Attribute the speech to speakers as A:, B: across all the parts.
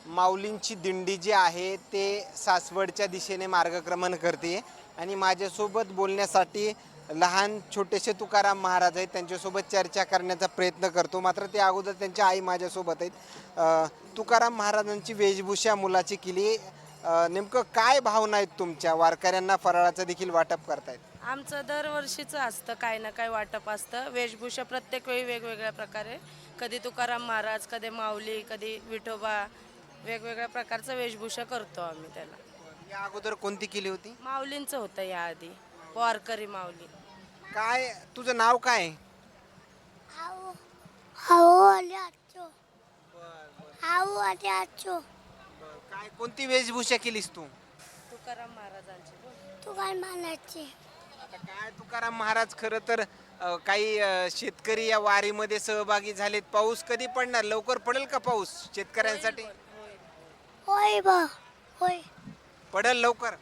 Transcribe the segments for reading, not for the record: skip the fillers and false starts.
A: माऊलींची दिंडी जी आहे ते सासवडच्या दिशेने मार्गक्रमण करते आणि माझ्यासोबत बोलण्यासाठी लहान छोटेसे तुकाराम महाराज आहेत, त्यांच्यासोबत चर्चा करण्याचा प्रयत्न करतो. मात्र ते अगोदर त्यांची आई माझ्यासोबत आहेत. तुकाराम महाराजांची वेशभूषा मुलाची केली, नेमकं काय भावना आहेत तुमच्या? वारकऱ्यांना फराळाचं देखील वाटप करतायत.
B: आमचं दरवर्षीचं असतं, काही ना काही वाटप असतं. वेशभूषा प्रत्येक वेळी वेगवेगळ्या प्रकारे, कधी तुकाराम महाराज, कधी माऊली, कधी विठोबा, वेगवेगळ्या प्रकारचं वेशभूषा करतो आम्ही त्याला.
A: या अगोदर कोणती केली होती?
B: माऊलींचं होतं याआधी, वारकरी माऊली.
A: काय तुझं नाव काय?
C: आऊ आऊ आले आजचो आऊ आले आजचो
A: काय कोणती वेशभूषा केलीस तू?
B: तुकाराम महाराजांची बोल.
C: तू काय म्हणायचे?
A: आता काय तुकाराम महाराज खरं तर काही शेतकरी या वारीमध्ये सहभागी झालेत. पाऊस कधी पडणार? लवकर पडेल का पाऊस शेतकऱ्यांसाठी?
C: होय बा होय.
A: पडेल लवकर.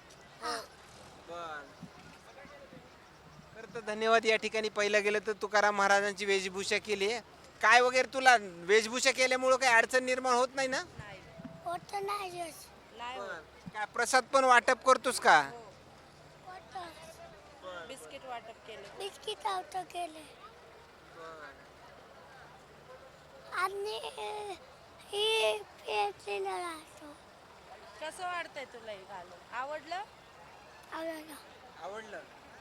A: तर धन्यवाद. या ठिकाणी पहिलं गेलं तर तुकाराम महाराजांची वेशभूषा केली आहे. काय वगैरे तुला वेशभूषा केल्यामुळं काही अडचण निर्माण होत नाही ना?
C: होत नाही जस
B: नाही हो.
A: काय प्रसाद पण वाटप करतोस का?
C: होत
B: बिस्किट वाटप केले.
C: बिस्किट आउट केले आणि ही पेटलेलं राहतो.
B: कसं वाटतंय तुला हे घालून? आवडलं?
C: आवडलं.
A: आवडलं.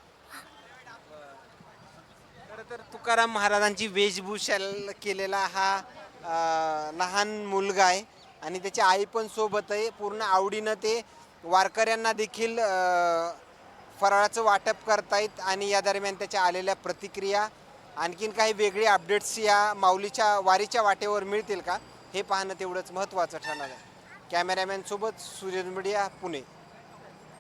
A: खरं तर तुकाराम महाराजांची वेशभूषा केलेला हा लहान मुलगा आहे आणि त्याची आई पण सोबत आहे. पूर्ण आवडीनं ते वारकऱ्यांना देखील फराळाचं वाटप करतायत आणि या दरम्यान त्याच्या आलेल्या प्रतिक्रिया, आणखीन काही वेगळे अपडेट्स या माऊलीच्या वारीच्या वाटेवर मिळतील का, हे पाहणं तेवढंच महत्त्वाचं ठरणार आहे. कॅमेरामॅन सोबत सूर्य मीडिया, पुणे.